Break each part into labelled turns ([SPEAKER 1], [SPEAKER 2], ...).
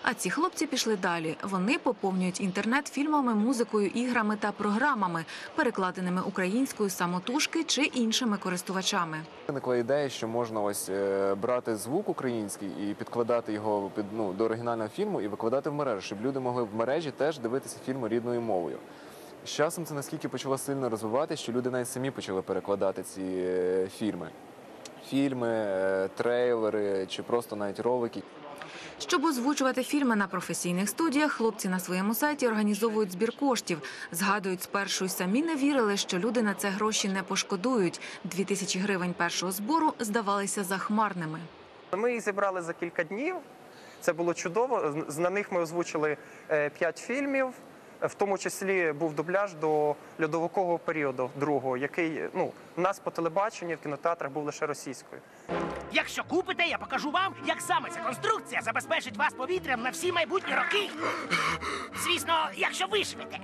[SPEAKER 1] А ці хлопці пішли далі. Вони поповнюють інтернет фільмами, музикою, іграми та програмами, перекладеними українською самотужки чи іншими користувачами.
[SPEAKER 2] Виникла ідея, що можна ось брати звук український і підкладати його до оригінального фільму і викладати в мережу, щоб люди могли в мережі теж дивитися фільми рідною мовою. З часом це наскільки почало сильно розвиватися, що люди навіть самі почали перекладати ці фільми. Фільми, трейлери чи просто навіть ролики.
[SPEAKER 1] Щоб озвучувати фільми на професійних студіях, хлопці на своєму сайті організовують збір коштів. Згадують, спершу й самі не вірили, що люди на це гроші не пошкодують. 2000 гривень першого збору здавалися захмарними.
[SPEAKER 3] Ми їх зібрали за кілька днів. Це було чудово. На них ми озвучили 5 фільмів. В тому числі був дубляж до льодовикового періоду другого, який у нас по телебаченню в кінотеатрах був лише російською.
[SPEAKER 4] Якщо купите, я покажу вам, як саме ця конструкція забезпечить вас повітрям на всі майбутні роки. Звісно, якщо виживете.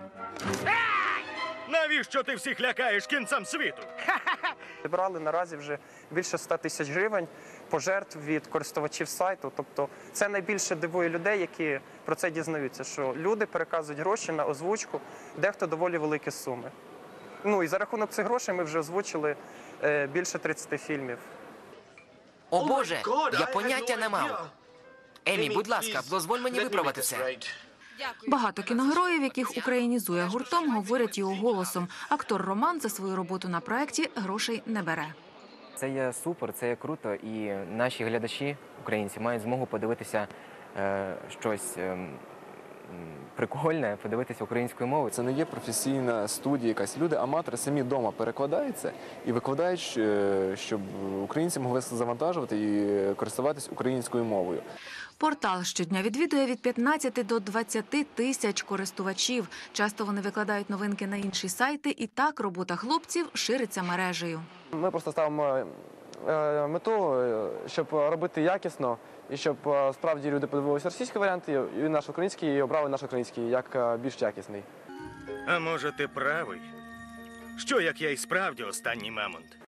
[SPEAKER 5] Навіщо ти всіх лякаєш кінцем світу?
[SPEAKER 3] Зібрали наразі вже більше 100 тисяч гривень пожертв від користувачів сайту. Тобто це найбільше дивує людей, які про це дізнаються, що люди переказують гроші на озвучку, дехто доволі великі суми. І за рахунок цих грошей ми вже озвучили більше 30 фільмів.
[SPEAKER 6] О Боже, я поняття не мав. Емі, будь ласка, дозволь мені виправити це.
[SPEAKER 1] Багато кіногероїв, яких українізує гуртом, говорять його голосом. Актор Роман за свою роботу на проєкті грошей не бере.
[SPEAKER 7] Це є супер, це є круто, і наші глядачі, українці, мають змогу подивитися щось прикольне, подивитися українською мовою.
[SPEAKER 2] Це не є професійна студія якась. Люди, аматори, самі вдома перекладають це і викладають, щоб українці могли завантажувати і користуватись українською мовою.
[SPEAKER 1] Портал щодня відвідує від 15 до 20 тисяч користувачів. Часто вони викладають новинки на інші сайти, і так робота хлопців шириться мережею.
[SPEAKER 8] Ми просто ставимо мету, щоб робити якісно, і щоб справді люди подивилися російський варіант, і наш український, і обрали наш український як більш якісний.
[SPEAKER 5] А може ти правий? Що, як я і справді останній мамонт?